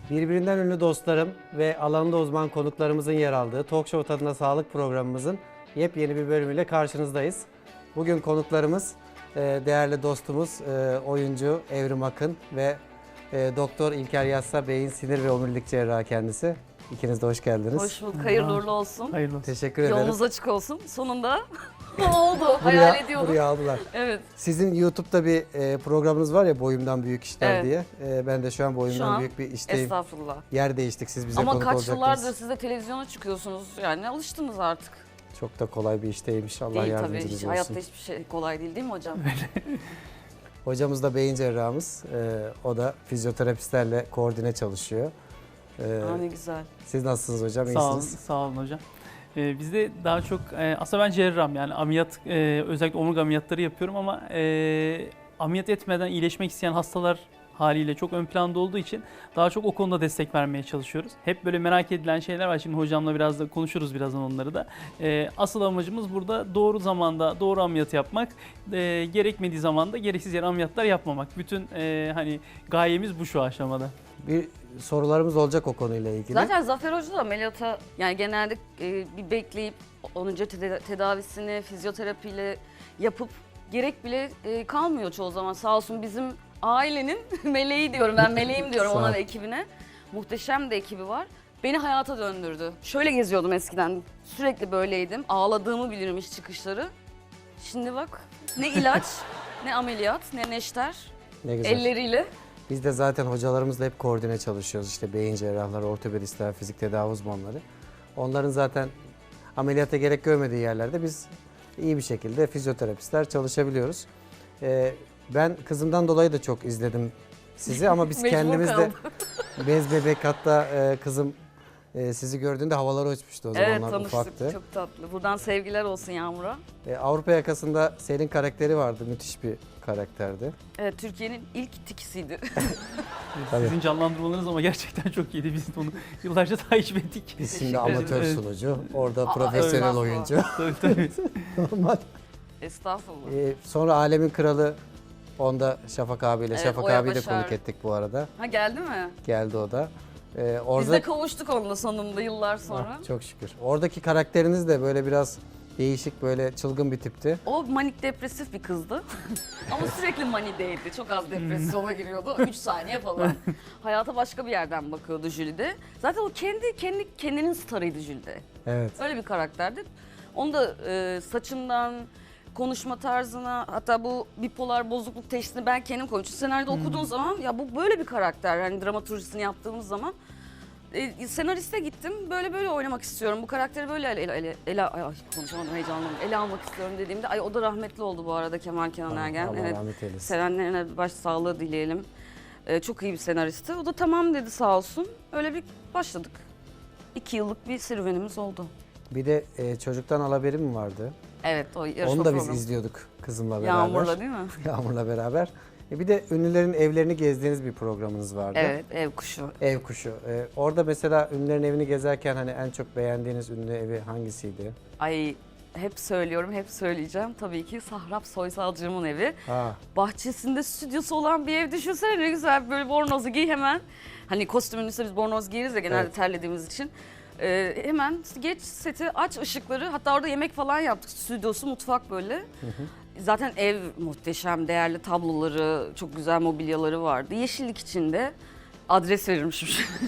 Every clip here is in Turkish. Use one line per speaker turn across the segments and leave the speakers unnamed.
Birbirinden ünlü dostlarım ve alanında uzman konuklarımızın yer aldığı Talk Show Tadına Sağlık programımızın yepyeni bir bölümüyle karşınızdayız. Bugün konuklarımız değerli dostumuz oyuncu Evrim Akın ve Doktor İlker Yassa, beyin, sinir ve omurilik cerrahı kendisi. İkiniz de hoş geldiniz.
Hoş bulduk. Hayırlı uğurlu olsun.
Hayırlı olsun.
Teşekkür ederim.
Yolunuz açık olsun. Sonunda oldu. Hayal ediyordum.
Buraya aldılar.
Evet.
Sizin YouTube'da bir programınız var ya, Boyumdan Büyük İşler
Evet.
diye. Ben de şu an Boyumdan
Şu an
Büyük bir işteyim.
Estağfurullah.
Yer değiştik, siz bize
Ama
konuk
kaç
olacaktınız.
yıllardır siz de televizyona çıkıyorsunuz. Yani alıştınız artık.
Çok da kolay bir işteymiş. Allah
Değil tabii.
yardımcınız
Hiç,
olsun.
hayatta hiçbir şey kolay değil mi hocam?
Hocamız da beyin cerrahımız. O da fizyoterapistlerle koordine çalışıyor.
Aa, ne güzel.
Siz nasılsınız hocam?
Sağ olun,
İyisiniz.
sağ olun hocam. Bizde daha çok aslında ben cerrahım, yani ameliyat, özellikle omurga ameliyatları yapıyorum ama ameliyat etmeden iyileşmek isteyen hastalar haliyle çok ön planda olduğu için daha çok o konuda destek vermeye çalışıyoruz. Hep böyle merak edilen şeyler var. Şimdi hocamla biraz da konuşuruz birazdan onları da. Asıl amacımız burada doğru zamanda doğru ameliyat yapmak, gerekmediği zamanda gereksiz yere ameliyatlar yapmamak. Bütün hani gayemiz bu şu aşamada.
Bir sorularımız olacak o konuyla ilgili.
Zaten Zafer Hoca da ameliyata yani genelde bir bekleyip onun önce tedavisini fizyoterapiyle yapıp gerek bile kalmıyor çoğu zaman. Sağ olsun bizim ailenin meleği diyorum, ben meleğim diyorum
Sağ ol.
ona ve ekibine. Muhteşem de ekibi var. Beni hayata döndürdü. Şöyle geziyordum eskiden. Sürekli böyleydim. Ağladığımı bilirim iş çıkışları. Şimdi bak ne ilaç, ne ameliyat, ne neşter.
Ne güzel.
Elleriyle.
Biz de zaten hocalarımızla hep koordine çalışıyoruz. İşte beyin cerrahları, ortopedistler, fizik tedavi uzmanları. Onların zaten ameliyata gerek görmediği yerlerde biz iyi bir şekilde fizyoterapistler çalışabiliyoruz. Ben kızımdan dolayı da çok izledim sizi ama biz
Mecbur
kendimiz de
kaldım.
bez bebek, hatta kızım sizi gördüğünde havalara uçmuştu o
Evet,
zamanlar,
tanıştık.
ufaktı.
Çok tatlı. Buradan sevgiler olsun Yağmur'a.
Avrupa Yakası'nda Selin karakteri vardı, müthiş bir karakterdi.
Evet, Türkiye'nin ilk tikisiydi.
Tabii.
Sizin canlandırmalarınız ama gerçekten çok iyiydi. Biz onu yıllarca takip ettik.
Biz şimdi
Teşekkür
amatör
ederim.
sunucu, orada
Aa,
profesyonel
estağfurullah.
oyuncu.
Tabii tabii.
Normal.
Estağfurullah.
Sonra Alemin Kralı, onda Şafak abiyle.
Evet,
Şafak
Oya
abiyi de
Başar.
konuk ettik bu arada.
Ha, geldi mi?
Geldi o da.
Biz
Orada
de kavuştuk onunla sonunda yıllar sonra.
çok şükür. Oradaki karakteriniz de böyle biraz değişik, böyle çılgın bir tipti.
O manik depresif bir kızdı. Ama sürekli manideydi. Çok az depresyona giriyordu. 3 saniye falan. Hayata başka bir yerden bakıyordu Jülide. Zaten o kendinin starıydı Jülide.
Evet.
Öyle bir karakterdi. Onu da saçından, konuşma tarzına, hatta bu bipolar bozukluk teşhisini ben kendim koymuştum. Senaryoda okuduğun zaman ya bu böyle bir karakter, hani dramaturjisini yaptığımız zaman senariste gittim, böyle oynamak istiyorum, bu karakteri böyle konuşamadım, heyecanlandım, ele almak istiyorum dediğimde, ay o da rahmetli oldu bu arada, Kemal Kenan Ergen.
Allah
Evet,
rahmet eylesin.
sevenlerine başsağlığı dileyelim. Çok iyi bir senaristi. O da tamam dedi sağ olsun. Öyle bir başladık. 2 yıllık bir serüvenimiz oldu.
Bir de Çocuktan Al Haberim mi vardı?
Evet, o yarışma
Onu da biz
programı.
izliyorduk kızımla beraber.
Yağmur'la değil mi?
Yağmur'la beraber. Bir de ünlülerin evlerini gezdiğiniz bir programınız vardı.
Evet, Ev Kuşu.
Ev Kuşu. Orada mesela ünlülerin evini gezerken hani en çok beğendiğiniz ünlü evi hangisiydi?
Ay, hep söylüyorum, hep söyleyeceğim. Tabii ki Sahrap Soysalcığımın evi.
Ha,
Bahçesinde stüdyosu olan bir ev düşünsene, ne güzel, böyle bornozu giy hemen. Hani kostümün üstüne biz bornoz giyeriz ya genelde,
Evet.
terlediğimiz için. Hemen geç seti, aç ışıkları, hatta orada yemek falan yaptık. Stüdyosu, mutfak böyle. Zaten ev muhteşem, değerli tabloları, çok güzel mobilyaları vardı. Yeşillik içinde, adres verirmişim.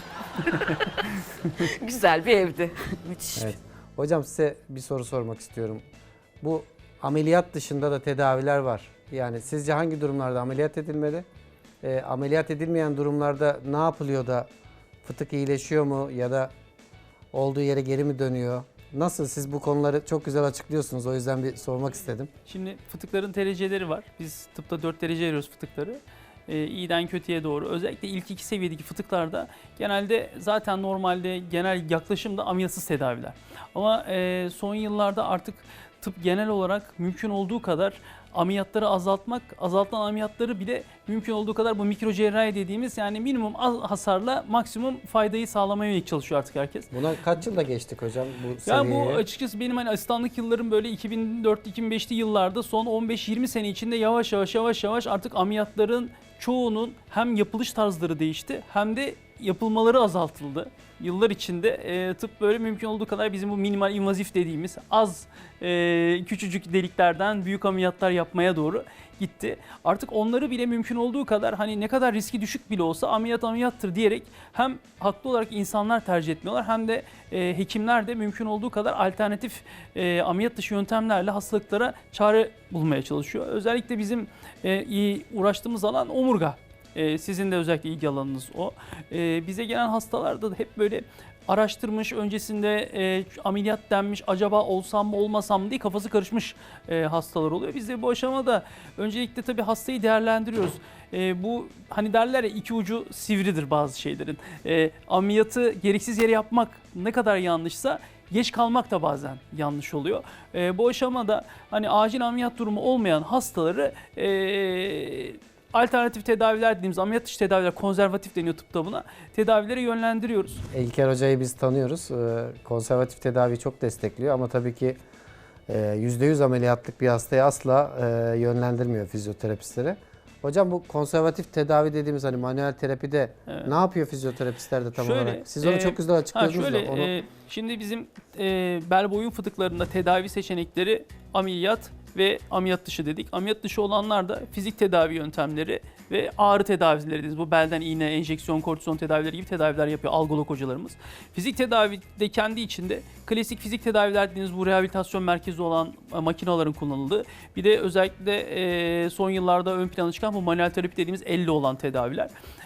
Güzel bir evdi. Müthiş.
evet. Hocam size bir soru sormak istiyorum. Bu ameliyat dışında da tedaviler var. Yani sizce hangi durumlarda ameliyat edilmeli? Ameliyat edilmeyen durumlarda ne yapılıyor da fıtık iyileşiyor mu ya da olduğu yere geri mi dönüyor? Nasıl? Siz bu konuları çok güzel açıklıyorsunuz. O yüzden bir sormak istedim.
Şimdi fıtıkların dereceleri var. Biz tıpta 4 derece veriyoruz fıtıkları. İyiden kötüye doğru. Özellikle ilk 2 seviyedeki fıtıklarda genelde zaten normalde genel yaklaşımda ameliyatsız tedaviler. Ama son yıllarda artık tıp genel olarak mümkün olduğu kadar ameliyatları azaltmak, azaltılan ameliyatları bile mümkün olduğu kadar bu mikro cerrahi dediğimiz, yani minimum az hasarla maksimum faydayı sağlamaya yönelik çalışıyor artık herkes.
Buna kaç yılda geçtik hocam bu
Ya
seviyeye?
bu açıkçası benim hani asistanlık yıllarım böyle 2004-2005'li yıllarda, son 15-20 sene içinde yavaş yavaş artık ameliyatların çoğunun hem yapılış tarzları değişti hem de yapılmaları azaltıldı. Yıllar içinde tıp böyle mümkün olduğu kadar bizim bu minimal invazif dediğimiz az küçücük deliklerden büyük ameliyatlar yapmaya doğru gitti. Artık onları bile mümkün olduğu kadar hani ne kadar riski düşük bile olsa ameliyattır diyerek hem haklı olarak insanlar tercih etmiyorlar hem de hekimler de mümkün olduğu kadar alternatif ameliyat dışı yöntemlerle hastalıklara çare bulmaya çalışıyor. Özellikle bizim uğraştığımız alan omurga. Sizin de özellikle ilgi alanınız o. Bize gelen hastalarda da hep böyle araştırmış, öncesinde ameliyat denmiş, acaba olsam mı olmasam mı diye kafası karışmış hastalar oluyor. Biz de bu aşamada öncelikle tabii hastayı değerlendiriyoruz. Bu hani derler ya, iki ucu sivridir bazı şeylerin. Ameliyatı gereksiz yere yapmak ne kadar yanlışsa geç kalmak da bazen yanlış oluyor. Bu aşamada hani acil ameliyat durumu olmayan hastaları alternatif tedaviler dediğimiz ameliyat dışı tedaviler, konservatif deniyor tıpta buna, tedavilere yönlendiriyoruz.
İlker Hoca'yı biz tanıyoruz. Konservatif tedaviyi çok destekliyor ama tabii ki %100 ameliyatlık bir hastayı asla yönlendirmiyor fizyoterapistleri. Hocam bu konservatif tedavi dediğimiz hani manuel terapide ne yapıyor fizyoterapistler de tam olarak? Siz onu çok güzel açıkladınız da.
Şimdi bizim bel boyun fıtıklarında tedavi seçenekleri ameliyat ve ameliyat dışı dedik. Ameliyat dışı olanlar da fizik tedavi yöntemleri ve ağrı tedavileri dediğimiz bu belden iğne, enjeksiyon, kortizon tedavileri gibi tedaviler yapıyor algolog hocalarımız. Fizik tedavi de kendi içinde klasik fizik tedaviler dediğimiz bu rehabilitasyon merkezi olan makinelerin kullanıldığı. Bir de özellikle son yıllarda ön plana çıkan bu manuel terapi dediğimiz elle olan tedaviler.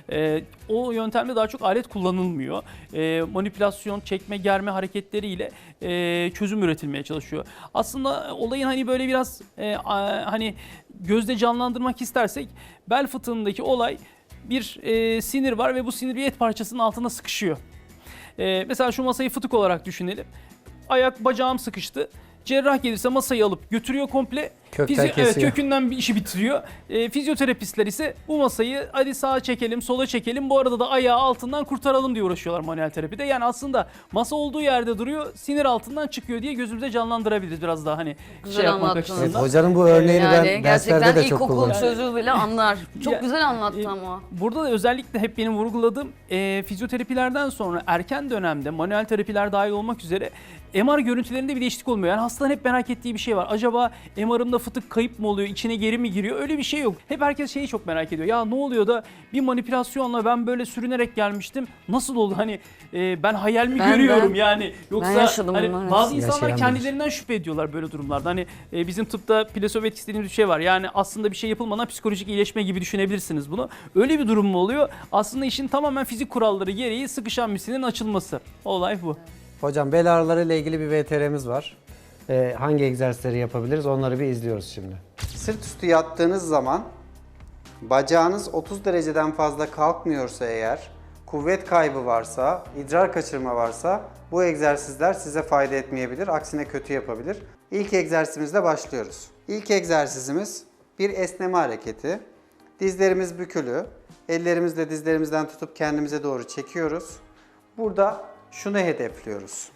O yöntemde daha çok alet kullanılmıyor. Manipülasyon, çekme, germe hareketleriyle çözüm üretilmeye çalışıyor. Aslında olayın hani böyle biraz hani gözde canlandırmak istersek bel fıtığındaki olay bir sinir var ve bu sinir bir et parçasının altında sıkışıyor. Mesela şu masayı fıtık olarak düşünelim. Ayak bacağım sıkıştı. Cerrah gelirse masayı alıp götürüyor komple. Evet, kökünden bir işi bitiriyor. Fizyoterapistler ise bu masayı hadi sağa çekelim, sola çekelim. Bu arada da ayağı altından kurtaralım diye uğraşıyorlar manuel terapide. Yani aslında masa olduğu yerde duruyor, sinir altından çıkıyor diye gözümüze canlandırabiliriz biraz daha hani
Güzel
yapmak
anlattınız.
açısından.
Evet, hocanın bu örneğini ben
gerçekten
derslerde de çok
ilkokul
kullanıyorum.
çocuğu bile anlar. Çok
Ya,
güzel anlattı ama.
Burada da özellikle hep benim vurguladığım fizyoterapilerden sonra erken dönemde manuel terapiler dahil olmak üzere MR görüntülerinde bir değişiklik olmuyor. Yani hastanın hep merak ettiği bir şey var. Acaba MR'ımda fıtık kayıp mı oluyor, içine geri mi giriyor? Öyle bir şey yok. Hep herkes şeyi çok merak ediyor. Ya ne oluyor da bir manipülasyonla ben böyle sürünerek gelmiştim. Nasıl oldu? Hani ben hayal mi görüyorum yani? Yoksa
yaşadım
hani
bunları.
bazı insanlar
Yaşayan
kendilerinden şüphe ediyorlar böyle durumlarda. Hani bizim tıpta plasebo etkisi dediğimiz bir şey var. Yani aslında bir şey yapılmadan psikolojik iyileşme gibi düşünebilirsiniz bunu. Öyle bir durum mu oluyor? Aslında işin tamamen fizik kuralları gereği sıkışan bir sinirin açılması. Olay bu.
Hocam bel ağrıları ile ilgili bir VTR'miz var. Hangi egzersizleri yapabiliriz onları bir izliyoruz şimdi. Sırt üstü yattığınız zaman bacağınız 30 dereceden fazla kalkmıyorsa eğer, kuvvet kaybı varsa, idrar kaçırma varsa bu egzersizler size fayda etmeyebilir. Aksine kötü yapabilir. İlk egzersizimizle başlıyoruz. İlk egzersizimiz bir esneme hareketi. Dizlerimiz bükülü. Ellerimizle dizlerimizden tutup kendimize doğru çekiyoruz. Burada şunu hedefliyoruz.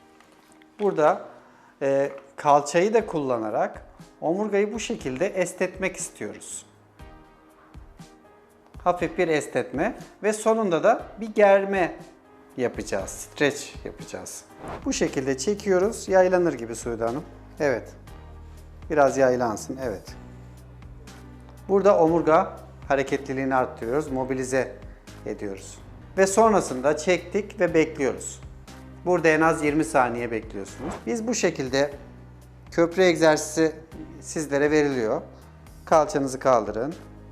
Burada kalçayı da kullanarak omurgayı bu şekilde esnetmek istiyoruz. Hafif bir esnetme ve sonunda da bir germe yapacağız. Stretch yapacağız. Bu şekilde çekiyoruz. Yaylanır gibi Suudi Hanım. Evet. Biraz yaylansın. Evet. Burada omurga hareketliliğini arttırıyoruz. Mobilize ediyoruz. Ve sonrasında çektik ve bekliyoruz. Burada en az 20 saniye bekliyorsunuz. Biz bu şekilde köprü egzersizi sizlere veriliyor. Kalçanızı kaldırın.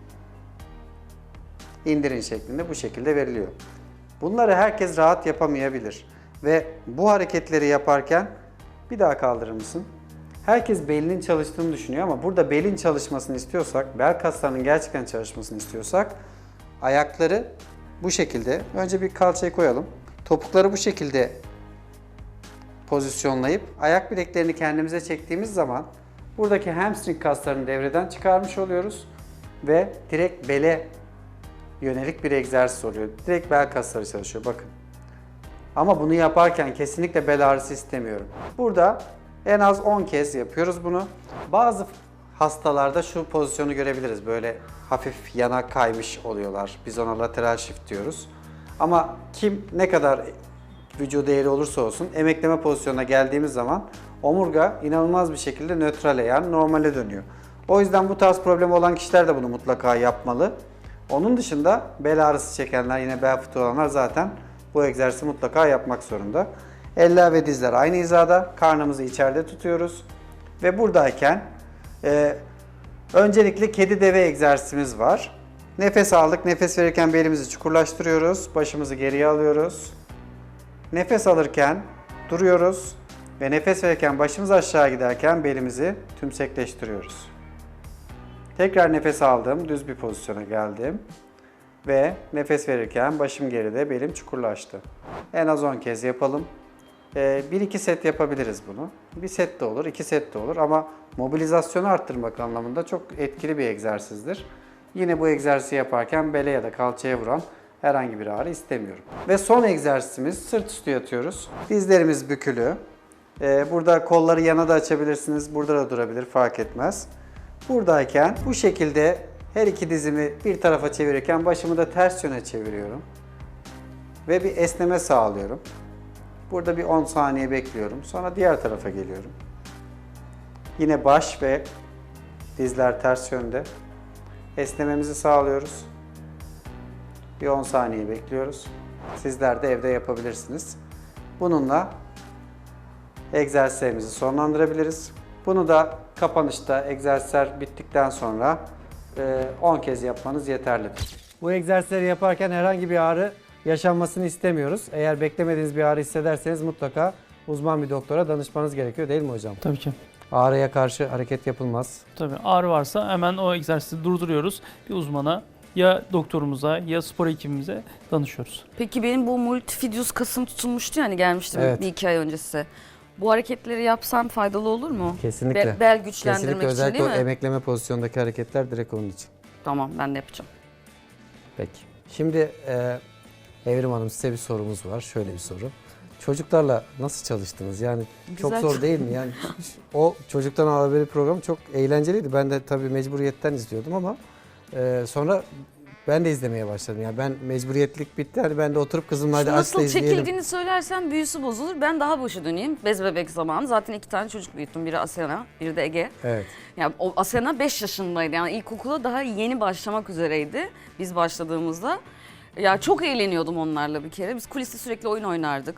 İndirin şeklinde bu şekilde veriliyor. Bunları herkes rahat yapamayabilir. Ve bu hareketleri yaparken bir daha kaldırır mısın? Herkes belinin çalıştığını düşünüyor ama burada belin çalışmasını istiyorsak, bel kaslarının gerçekten çalışmasını istiyorsak ayakları bu şekilde, önce bir kalçayı koyalım. Topukları bu şekilde pozisyonlayıp ayak bileklerini kendimize çektiğimiz zaman buradaki hamstring kaslarını devreden çıkarmış oluyoruz ve direkt bele yönelik bir egzersiz oluyor. Direkt bel kasları çalışıyor bakın. Ama bunu yaparken kesinlikle bel ağrısı istemiyorum. Burada en az 10 kez yapıyoruz bunu. Bazı hastalarda şu pozisyonu görebiliriz. Böyle hafif yana kaymış oluyorlar. Biz ona lateral shift diyoruz. Ama kim ne kadar vücudu eğri olursa olsun emekleme pozisyonuna geldiğimiz zaman omurga inanılmaz bir şekilde nötrale yani normale dönüyor. O yüzden bu tarz problemi olan kişiler de bunu mutlaka yapmalı. Onun dışında bel ağrısı çekenler, yine bel fıtığı olanlar zaten bu egzersizi mutlaka yapmak zorunda. Eller ve dizler aynı hizada, karnımızı içeride tutuyoruz. Ve buradayken öncelikle kedi deve egzersizimiz var. Nefes aldık, nefes verirken belimizi çukurlaştırıyoruz, başımızı geriye alıyoruz. Nefes alırken duruyoruz ve nefes verirken başımız aşağı giderken belimizi tümsekleştiriyoruz. Tekrar nefes aldım, düz bir pozisyona geldim ve nefes verirken başım geride, belim çukurlaştı. En az 10 kez yapalım. 1-2 set yapabiliriz bunu. Bir set de olur, 2 set de olur ama mobilizasyonu arttırmak anlamında çok etkili bir egzersizdir. Yine bu egzersizi yaparken bele ya da kalçaya vuran herhangi bir ağrı istemiyorum. Ve son egzersizimiz sırt üstü yatıyoruz. Dizlerimiz bükülü. Burada kolları yana da açabilirsiniz, burada da durabilir, fark etmez. Buradayken bu şekilde her iki dizimi bir tarafa çevirirken başımı da ters yöne çeviriyorum. Ve bir esneme sağlıyorum. Burada bir 10 saniye bekliyorum. Sonra diğer tarafa geliyorum. Yine baş ve dizler ters yönde. Esnememizi sağlıyoruz. Bir 10 saniye bekliyoruz. Sizler de evde yapabilirsiniz. Bununla egzersizlerimizi sonlandırabiliriz. Bunu da kapanışta egzersizler bittikten sonra 10 kez yapmanız yeterlidir. Bu egzersizleri yaparken herhangi bir ağrı yaşanmasını istemiyoruz. Eğer beklemediğiniz bir ağrı hissederseniz mutlaka uzman bir doktora danışmanız gerekiyor, değil mi hocam?
Tabii ki.
Ağrıya karşı hareket yapılmaz.
Tabii ağrı varsa hemen o egzersizi durduruyoruz. Bir uzmana, ya doktorumuza ya spor ekibimize danışıyoruz.
Peki benim bu multifidus kasım tutulmuştu yani gelmiştim
Evet.
1-2 ay öncesi. Bu hareketleri yapsam faydalı olur mu?
Kesinlikle.
Bel güçlendirmek
Kesinlikle,
için
özellikle
değil
o
mi?
emekleme pozisyondaki hareketler direkt onun için.
Tamam, ben de yapacağım.
Peki. Şimdi Evrim Hanım, size bir sorumuz var. Şöyle bir soru. Çocuklarla nasıl çalıştınız? Yani çok
Güzel.
zor değil mi? Yani o Çocuktan Haberi programı çok eğlenceliydi. Ben de tabii mecburiyetten izliyordum ama sonra ben de izlemeye başladım. Yani ben mecburiyetlik bitti. Hani ben de oturup kızımla hadi aç da
Nasıl
izleyelim.
çekildiğini söylersen büyüsü bozulur. Ben daha başa döneyim. Bez bebek zamanı. Zaten 2 tane çocuk büyüttüm. Biri Asena, biri de Ege.
Evet.
Yani o Asena 5 yaşındaydı. Yani ilkokula daha yeni başlamak üzereydi biz başladığımızda. Ya çok eğleniyordum onlarla bir kere. Biz kuliste sürekli oyun oynardık.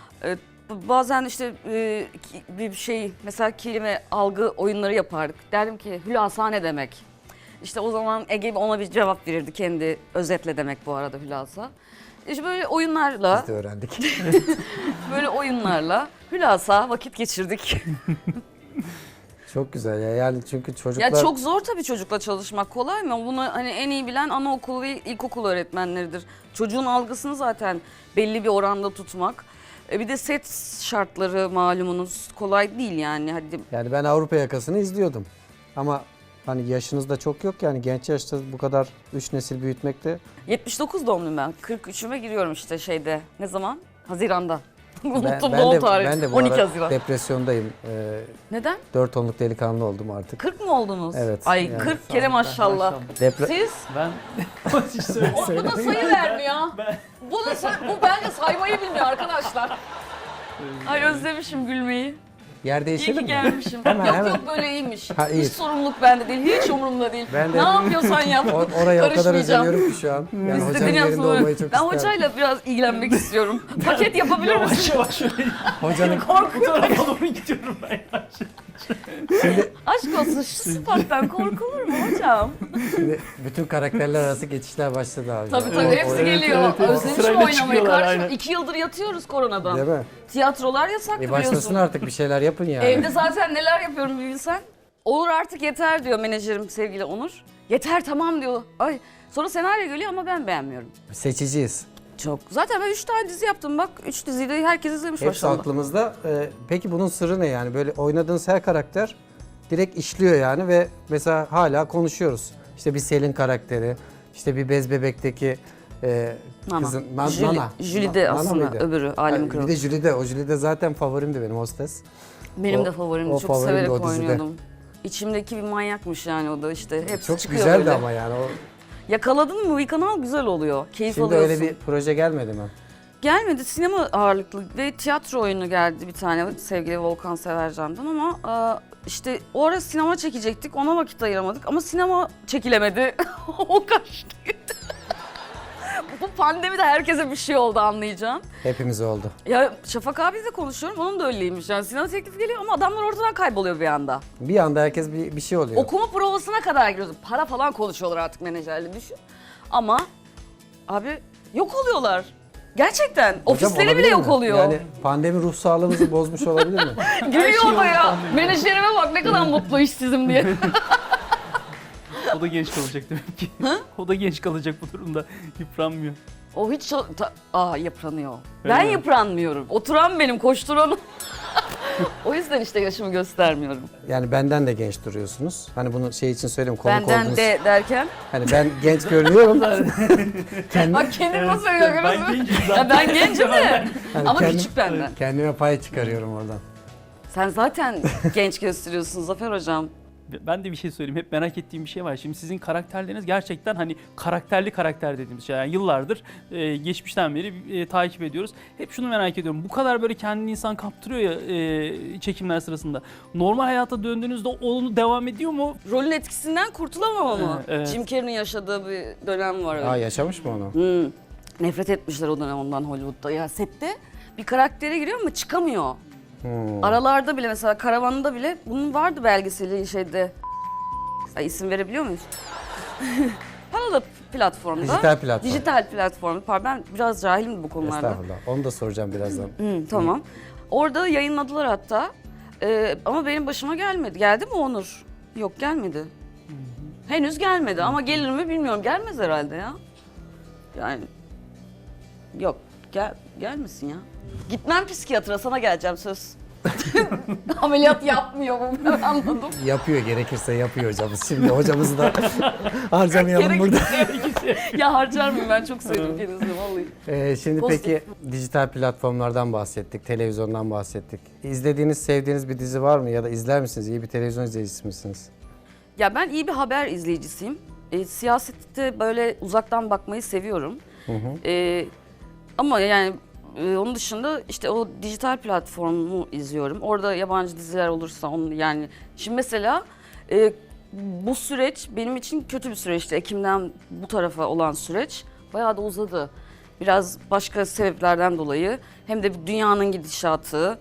Bazen işte bir şey mesela kelime algı oyunları yapardık. Derdim ki hülasa ne demek? İşte o zaman Ege ona bir cevap verirdi, kendi özetle demek bu arada hülasa. İşte böyle oyunlarla,
Biz de öğrendik.
böyle oyunlarla hülasa vakit geçirdik.
Çok güzel ya. Yani çünkü çocuklar...
Ya çok zor tabii çocukla çalışmak, kolay mı? Bunu hani en iyi bilen anaokulu ve ilkokul öğretmenleridir. Çocuğun algısını zaten belli bir oranda tutmak. Bir de set şartları malumunuz kolay değil yani. Hadi
Yani ben Avrupa Yakası'nı izliyordum. Ama hani yaşınız da çok yok, yani genç yaşta bu kadar 3 nesil büyütmek de...
79 doğumluyum ben. 43'üme giriyorum işte şeyde. Ne zaman? Haziran'da. Unuttum
ben
doğum
de,
tarihi.
ben de bu
12
ara
Haziran.
depresyondayım.
Neden?
4 tonluk delikanlı oldum artık.
40 mı oldunuz?
Evet,
Ay
yani.
40 kere maşallah. Siz?
Ben hiç söyle.
Bu da sayı vermiyor. Bu bence saymayı bilmiyor arkadaşlar. Ay özlemişim gülmeyi.
Yer
İyi
değişelim
ki
mi?
gelmişim.
Hemen,
yok
hemen.
yok böyle iyiymiş.
Ha, iyi.
Hiç sorumluluk bende değil. Hiç umurumda değil.
Ben de-
Ne yapıyorsan yap.
Oraya o kadar
Karışmayacağım.
özeniyorum ki şu an. Yani hocanın
İstediğini
yerinde
yapsın.
olmayı çok
Ben
isterim.
hocayla biraz ilgilenmek istiyorum. Paket yapabilir misin?
Yavaş yavaş
Hocanın
bu tarafa doğru gidiyorum ben.
şimdi,
Aşk olsun şu sıfattan korkulur mu hocam?
şimdi bütün karakterler arası geçişler başladı abi.
Tabii tabii
Evet,
hepsi
evet,
geliyor.
evet, evet.
Özlemişim
Sırayla
oynamayı
çıkıyorlar,
kardeşim.
aynen.
2 yıldır yatıyoruz koronadan.
Değil mi?
Tiyatrolar yasak
Başlasın
biliyorsun.
artık, bir şeyler yapın yani.
Evde zaten neler yapıyorum bir bilsen. Olur artık yeter diyor menajerim sevgili Onur. Yeter tamam diyor. Ay sonra senaryo geliyor ama ben beğenmiyorum.
Seçiciyiz.
Çok. Zaten ben 3 tane dizi yaptım bak. 3 diziyi de herkes izlemiş
Hepsi
maşallah.
aklımızda. Peki bunun sırrı ne yani? Böyle oynadığınız her karakter direkt işliyor yani ve mesela hala konuşuyoruz. İşte bir Selin karakteri, işte bir Bez Bebek'teki
Nana.
kızın
Jülide
Nana
aslında
mıydı?
öbürü Alemin
Bir
Kralı.
de Jülide. O Jülide zaten favorimdi benim, hostes.
Benim
o-
de favorimdi.
o
Çok
favorimdi
severek
o dizide.
oynuyordum. İçimdeki bir manyakmış yani o da işte. Hepsi
Çok
çıkıyor
güzeldi
böyle.
ama yani o
Yakaladın mı bir kanal güzel oluyor. Keyif
Şimdi
alıyorsun.
öyle bir proje gelmedi mi?
Gelmedi, sinema ağırlıklı ve tiyatro oyunu geldi bir tane sevgili Volkan Severcan'dan ama işte o ara sinema çekecektik, ona vakit ayıramadık ama sinema çekilemedi. O kaçtı. Bu pandemide herkese bir şey oldu anlayacağın.
Hepimiz oldu.
Ya Şafak abiyle konuşuyorum, onun da öyleymiş. Yani sinema teklifi geliyor ama adamlar ortadan kayboluyor bir anda.
Bir anda herkes bir şey oluyor.
Okuma provasına kadar giriyoruz. Para falan konuşuyorlar artık menajerle düşün. Ama abi yok oluyorlar. Gerçekten.
Hocam,
Ofisleri bile
olabilir
yok
mi?
oluyor.
Yani pandemi ruh sağlığımızı bozmuş olabilir mi?
Gülüyor da ya.
pandemi.
Menajerime bak ne kadar mutlu işsizim diye.
O da genç kalacak demek ki. O da genç kalacak bu durumda. Yıpranmıyor.
O hiç yıpranıyor.
Öyle
Ben
mi?
yıpranmıyorum. Oturan benim, koşturan. O yüzden işte yaşımı göstermiyorum.
Yani benden de genç duruyorsunuz. Hani bunu şey için söyleyeyim, konuk
Benden
oldunuz.
de derken.
Hani ben genç görünüyorum. Kendi,
Bak kendim nasıl söylüyor
Ben
görüyorsun?
gencim
Ya
zaten.
ben gencim de.
hani
Ama
kendim-
küçük benden.
Kendime pay çıkarıyorum oradan.
Sen zaten genç gösteriyorsun Zafer Hocam.
Ben de bir şey söyleyeyim. Hep merak ettiğim bir şey var. Şimdi sizin karakterleriniz gerçekten hani karakterli karakter dediğimiz şey. Yani yıllardır geçmişten beri takip ediyoruz. Hep şunu merak ediyorum. Bu kadar böyle kendini insan kaptırıyor ya çekimler sırasında. Normal hayata döndüğünüzde onu devam ediyor mu?
Rolün etkisinden kurtulamam ama.
Evet.
Jim Carrey'nin yaşadığı bir dönem var öyle.
Aa, yaşamış mı onu?
Nefret etmişler o dönem ondan Hollywood'da. Ya sette bir karaktere giriyor ama çıkamıyor.
Hmm.
Aralarda bile mesela karavanda bile bunun vardı belgeseli şeyde. Ay, isim verebiliyor muyuz? Paralı platformda.
Dijital platform.
Dijital platformda. Pardon ben biraz cahilim bu konularda.
Estağfurullah. Onu da soracağım birazdan.
Tamam. Orada yayınladılar hatta. Ama benim başıma gelmedi. Geldi mi Onur? Yok gelmedi. Henüz gelmedi ama gelir mi bilmiyorum. Gelmez herhalde ya. Yani yok gelmesin ya. Gitmem psikiyatra, sana geleceğim söz. Ameliyat yapmıyor bu, ben anladım.
Yapıyor, gerekirse yapıyor hocamız. Şimdi hocamızı da harcamayalım burada.
Ya harcar mıyım, ben çok sevdim kendisini vallahi.
Şimdi
Pozitif.
peki dijital platformlardan bahsettik, televizyondan bahsettik. İzlediğiniz, sevdiğiniz bir dizi var mı ya da izler misiniz? İyi bir televizyon izleyicisi misiniz?
Ya ben iyi bir haber izleyicisiyim. Siyasette böyle uzaktan bakmayı seviyorum. Ama yani onun dışında işte o dijital platformu izliyorum. Orada yabancı diziler olursa onu yani. Şimdi mesela bu süreç benim için kötü bir süreçti. Ekim'den bu tarafa olan süreç bayağı da uzadı. Biraz başka sebeplerden dolayı hem de dünyanın gidişatı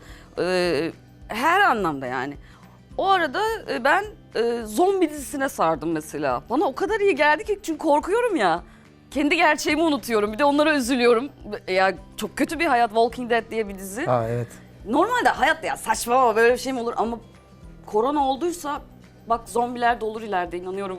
her anlamda yani. O arada ben zombi dizisine sardım mesela. Bana o kadar iyi geldi ki çünkü korkuyorum ya. Kendi gerçeğimi unutuyorum. Bir de onlara üzülüyorum. Ya çok kötü bir hayat, Walking Dead diye bir dizi.
Aa, evet.
Normalde hayat ya saçmalama böyle bir şey mi olur ama korona olduysa bak zombiler de olur ileride inanıyorum.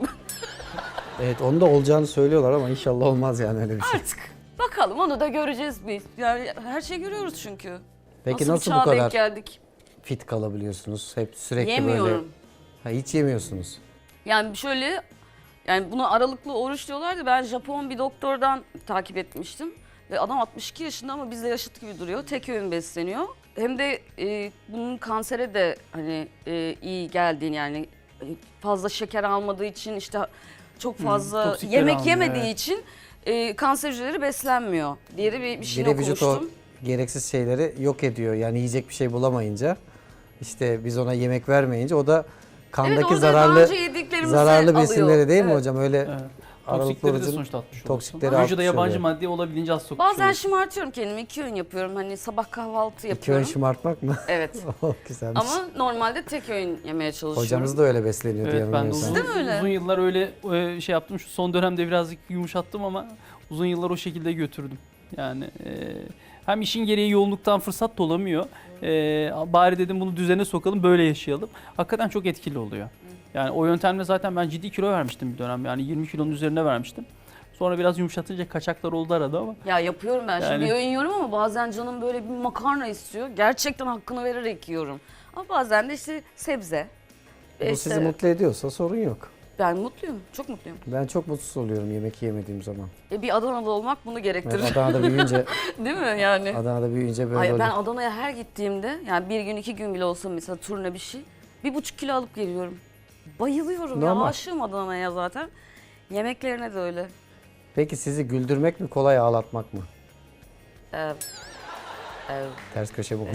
Evet, onu da olacağını söylüyorlar ama inşallah olmaz yani öyle bir şey.
Artık bakalım onu da göreceğiz biz. Yani her şeyi görüyoruz çünkü.
Peki
bir
nasıl bu
çağa denk
kadar
geldik?
fit kalabiliyorsunuz? Hep sürekli
Yemiyorum.
böyle... Ha, hiç yemiyorsunuz.
Yani şöyle, yani buna aralıklı oruç diyorlar da ben Japon bir doktordan takip etmiştim. Ve adam 62 yaşında ama bizle yaşıt gibi duruyor. Tek öğün besleniyor. Hem de bunun kansere de hani iyi geldiğini yani fazla şeker almadığı için işte çok fazla
toksikleri
yemek
almıyor,
yemediği
evet.
için kanser hücreleri beslenmiyor diye de bir şey
Bir de vücut o
okumuştum.
gereksiz şeyleri yok ediyor. Yani yiyecek bir şey bulamayınca, işte biz ona yemek vermeyince o da
Evet
kandaki
orada daha
zararlı
önce yediklerimizi
zararlı
alıyor.
besinleri değil mi
Evet.
hocam? Öyle
Evet.
aralıklı
Toksikleri de
orucun
sonuçta atmış
toksikleri
oluyorsun. Vücuda
atmış
yabancı
oluyor.
madde olabildiğince az sokmuş
Bazen
oluyorsun.
şımartıyorum kendimi. 2 öğün yapıyorum. Hani sabah kahvaltı
İki öğün
yapıyorum.
şımartmak mı?
Evet.
Güzelmiş.
Ama normalde tek öğün yemeye çalışıyorum.
Hocamız da öyle besleniyordu
Evet ben de
yanılmıyorsam.
uzun,
Değil mi öyle?
uzun yıllar öyle şey yaptım. Şu son dönemde birazcık yumuşattım ama uzun yıllar o şekilde götürdüm. Yani hem işin gereği yoğunluktan fırsat da olamıyor. Bari dedim bunu düzene sokalım böyle yaşayalım. Hakikaten çok etkili oluyor. Yani o yöntemle zaten ben ciddi kilo vermiştim bir dönem. Yani 20 kilonun üzerine vermiştim. Sonra biraz yumuşatınca kaçaklar oldu arada ama.
Ya yapıyorum ben. Şimdi
Yani-
bir öğün yiyorum ama bazen canım böyle bir makarna istiyor. Gerçekten hakkını vererek yiyorum. Ama bazen de işte sebze.
Bu
İşte
sizi mutlu ediyorsa sorun yok.
Ben mutluyum. Çok mutluyum.
Ben çok mutsuz oluyorum yemek yemediğim zaman.
Bir Adanalı olmak bunu gerektirir.
Evet, Adana'da büyüyünce,
Değil mi yani?
Adana'da büyüyünce böyle
Ay, ben
oluyor.
Adana'ya her gittiğimde yani bir gün 2 gün bile olsa mesela turne bir şey 1,5 kilo alıp geliyorum. Bayılıyorum ya,
Normal.
aşığım Adana'ya zaten. Yemeklerine de öyle.
Peki sizi güldürmek mi kolay, ağlatmak mı?
Ee, e,
Ters köşe bu.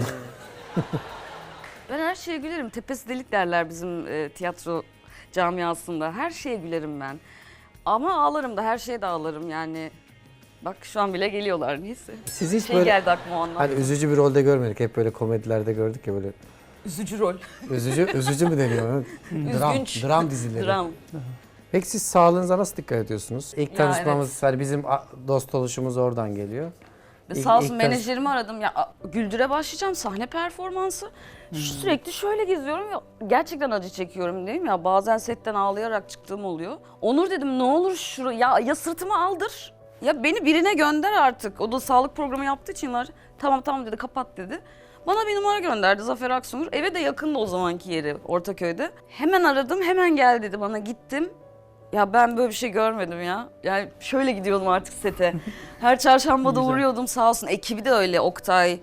Ben her şeye gülerim. Tepesi delik derler bizim tiyatro camiasında. Her şeye gülerim ben. Ama ağlarım da, her şeye de ağlarım yani. Bak şu an bile geliyorlar, neyse.
Siz hiç
Şey
böyle
geldi aklıma o andan.
hani üzücü bir rolde görmedik. Hep böyle komedilerde gördük ya böyle.
Üzücü rol.
Üzücü mü deniyor?
Üzgünç.
Dram dizileri.
Dram.
Peki siz sağlığınıza nasıl dikkat ediyorsunuz? İlk
Ya
tanışmamız, hani bizim dost oluşumuz oradan geliyor.
Ve
İlk-
sağ olsun
ilk tanış-
menajerimi aradım. Ya Güldür'e başlayacağım, sahne performansı. Sürekli şöyle geziyorum ya, gerçekten acı çekiyorum değil mi? Ya bazen setten ağlayarak çıktığım oluyor. Onur dedim, ne olur ya sırtımı aldır. Ya beni birine gönder artık. O da sağlık programı yaptığı için var. Tamam dedi, kapat dedi. Bana bir numara gönderdi, Zafer Aksungur. Eve de yakındı o zamanki yeri, Ortaköy'de. Hemen aradım, hemen gel dedi bana, gittim. Ya ben böyle bir şey görmedim ya. Yani şöyle gidiyordum artık sete. Her çarşamba da
Güzel.
uğruyordum, sağ olsun. Ekibi de öyle, Oktay.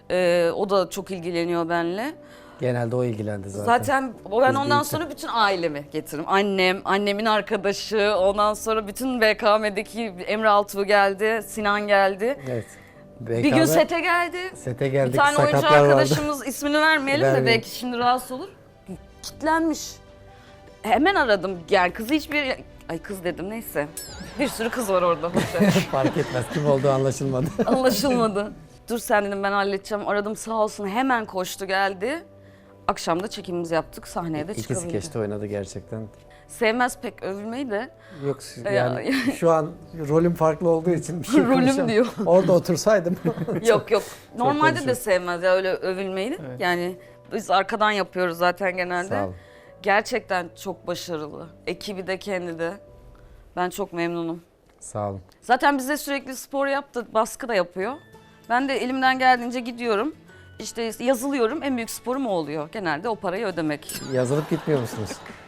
O da çok ilgileniyor benimle.
Genelde o ilgilendi zaten.
Zaten ben
Biz
ondan
büyükler.
sonra bütün ailemi getiririm. Annem, annemin arkadaşı, ondan sonra bütün BKM'deki Emre Altuğ geldi, Sinan geldi.
Evet.
Bir gün sete geldi.
Sete geldik,
Bir tane oyuncu
sakatlar vardı.
arkadaşımız, ismini vermeyelim de
Vermeyelim.
belki şimdi rahatsız olur. Kitlenmiş. Hemen aradım. Yani kızı hiçbir... Ay kız dedim, neyse. Bir sürü kız var orada.
Fark etmez, kim olduğu anlaşılmadı.
Anlaşılmadı. Dur sen dedim, ben halledeceğim. Aradım, sağ olsun, hemen koştu geldi. Akşam da çekimimizi yaptık, sahneye de
İki
çıkabildik.
skeçte oynadı gerçekten.
Sevmez pek övülmeyi de.
Yok
Ya-
yani şu an rolüm farklı olduğu için bir şey
Rolüm
konuşamam.
diyor.
Orada otursaydım.
Yok. Normalde de
konuşuyor.
sevmez ya öyle övülmeyi.
Evet.
Yani biz arkadan yapıyoruz zaten genelde.
Sağ olun.
Gerçekten çok başarılı. Ekibi de kendi de. Ben çok memnunum.
Sağ olun.
Zaten bize sürekli spor yaptı, baskı da yapıyor. Ben de elimden geldiğince gidiyorum. İşte yazılıyorum, en büyük sporum o oluyor. Genelde o parayı ödemek.
Yazılıp gitmiyor musunuz?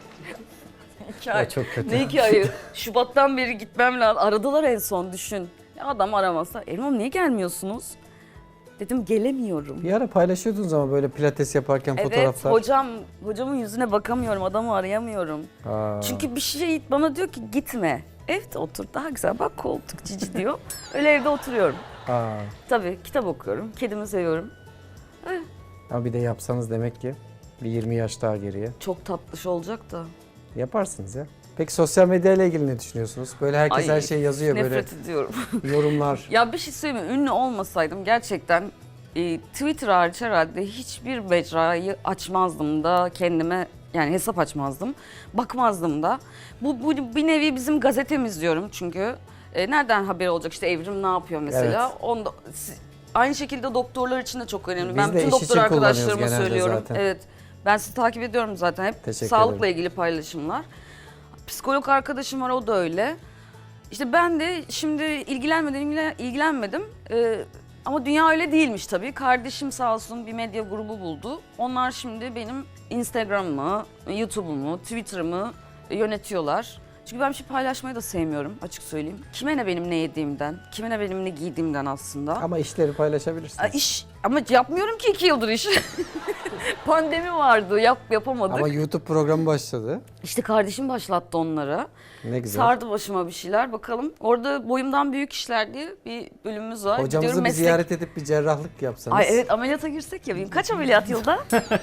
2 ay.
O çok kötü.
Ne 2 ayı? Şubat'tan beri gitmem lazım. Aradılar en son, düşün. Ya adam aramasa, Erman niye gelmiyorsunuz? Dedim gelemiyorum.
Bir ara paylaşıyordunuz ama böyle pilates yaparken
Evet,
fotoğraflar.
hocamın yüzüne bakamıyorum, adamı arayamıyorum.
Aa,
Çünkü bir şey bana diyor ki gitme. Evde otur, daha güzel, bak koltuk cici diyor. Öyle evde oturuyorum.
aa.
Tabii kitap okuyorum, kedimi seviyorum.
Ama bir de yapsanız demek ki bir 20 yaş daha geriye.
Çok tatlış olacak da.
Yaparsınız ya. Peki sosyal medya ile ilgili ne düşünüyorsunuz? Böyle herkes
Ay,
her şeyi yazıyor,
Nefret ediyorum.
böyle yorumlar.
Ya bir şey söyleyeyim mi? Ünlü olmasaydım gerçekten Twitter hariç herhalde hiçbir mecrayı açmazdım da kendime, yani hesap açmazdım. Bakmazdım da. Bu bir nevi bizim gazetemiz diyorum çünkü. Nereden haber olacak? İşte Evrim ne yapıyor mesela?
Evet.
Aynı şekilde doktorlar için de çok önemli.
Biz
Ben
de
bütün
iş
doktor
için kullanıyoruz
arkadaşlarıma
genelde
söylüyorum.
zaten.
Evet. Ben sizi takip ediyorum zaten. Hep
Teşekkür
sağlıkla
ederim.
ilgili paylaşımlar. Psikolog arkadaşım var, o da öyle. İşte ben de şimdi ilgilenmedim. Ama dünya öyle değilmiş tabii. Kardeşim sağ olsun bir medya grubu buldu. Onlar şimdi benim Instagram'ımı, YouTube'umu, Twitter'ımı yönetiyorlar. Çünkü ben bir şey paylaşmayı da sevmiyorum, açık söyleyeyim. Kime ne benim ne yediğimden, kime ne benim ne giydiğimden aslında.
Ama işleri paylaşabilirsiniz.
Ama yapmıyorum ki 2 yıldır iş. Pandemi vardı, yapamadık.
Ama YouTube programı başladı.
İşte kardeşim başlattı onları.
Ne güzel.
Sardı başıma bir şeyler, bakalım. Orada boyumdan büyük işler diye bir bölümümüz var.
Hocamızı
Gidiyorum
bir
meslek-
ziyaret edip bir cerrahlık yapsanız.
Ay evet, ameliyata girsek ya. Benim kaç ameliyat yılda?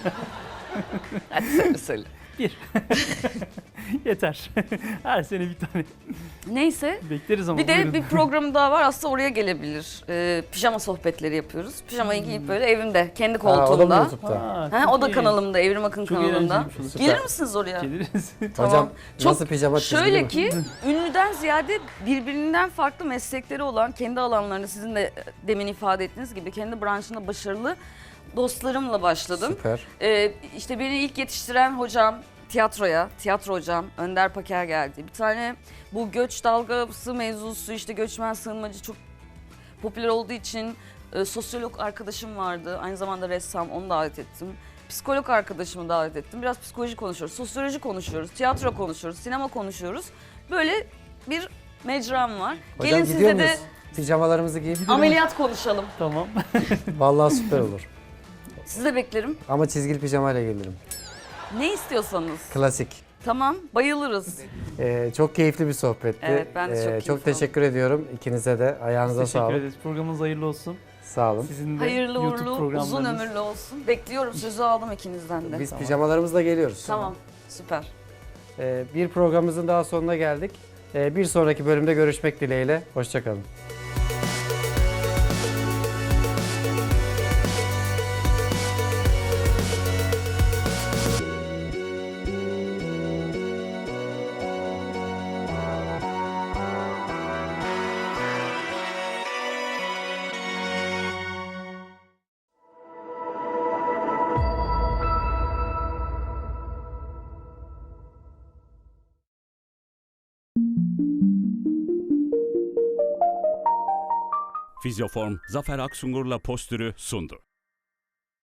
Hadi söyle.
Yeter. Her sene bir tane.
Neyse.
Bekleriz ama.
Bir de
buyurun.
bir programım daha var, aslında oraya gelebilir. Pijama sohbetleri yapıyoruz. Pijamayı giyip böyle evimde, kendi
Ha, o da mı
koltuğumda.
YouTube'da?
Aa,
Ha,
çok
o da
iyi.
kanalımda, Evrim Akın
Çok
kanalında.
eğlenceliymiş o.
Süper.
Gelir misiniz oraya?
Geliriz.
Tamam.
Hocam
Çok-
nasıl pijama çizgili
Şöyle
mi?
ki ünlüden ziyade birbirinden farklı meslekleri olan, kendi alanlarında sizin de demin ifade ettiğiniz gibi kendi branşında başarılı dostlarımla başladım.
Süper.
İşte beni ilk yetiştiren hocam tiyatro hocam Önder Paker geldi. Bir tane bu göç dalgası mevzusu, işte göçmen sığınmacı çok popüler olduğu için sosyolog arkadaşım vardı. Aynı zamanda ressam, onu davet ettim. Psikolog arkadaşımı davet ettim. Biraz psikoloji konuşuyoruz, sosyoloji konuşuyoruz, tiyatro konuşuyoruz, sinema konuşuyoruz. Böyle bir mecram var.
Hocam
Gelin
gidiyor
size de
muyuz? Pijamalarımızı giyip.
ameliyat konuşalım.
Tamam.
Vallahi süper olur.
Sizi de beklerim.
Ama çizgili pijamayla gelirim.
Ne istiyorsanız.
Klasik.
Tamam, bayılırız.
Çok keyifli bir sohbetti.
Evet, ben de çok keyif
Çok teşekkür ediyorum ikinize de. Ayağınıza
Teşekkür
sağlık.
ederiz. Programınız hayırlı olsun.
Sağ olun.
Sizin de
Hayırlı
YouTube
uğurlu, uzun
programlarınız.
ömürlü olsun. Bekliyorum, sözü aldım ikinizden de.
Biz pijamalarımızla geliyoruz.
Tamam, süper.
Bir programımızın daha sonuna geldik. Bir sonraki bölümde görüşmek dileğiyle. Hoşçakalın.
Fizyoform Zafer Aksungur'la Postür'ü sundu.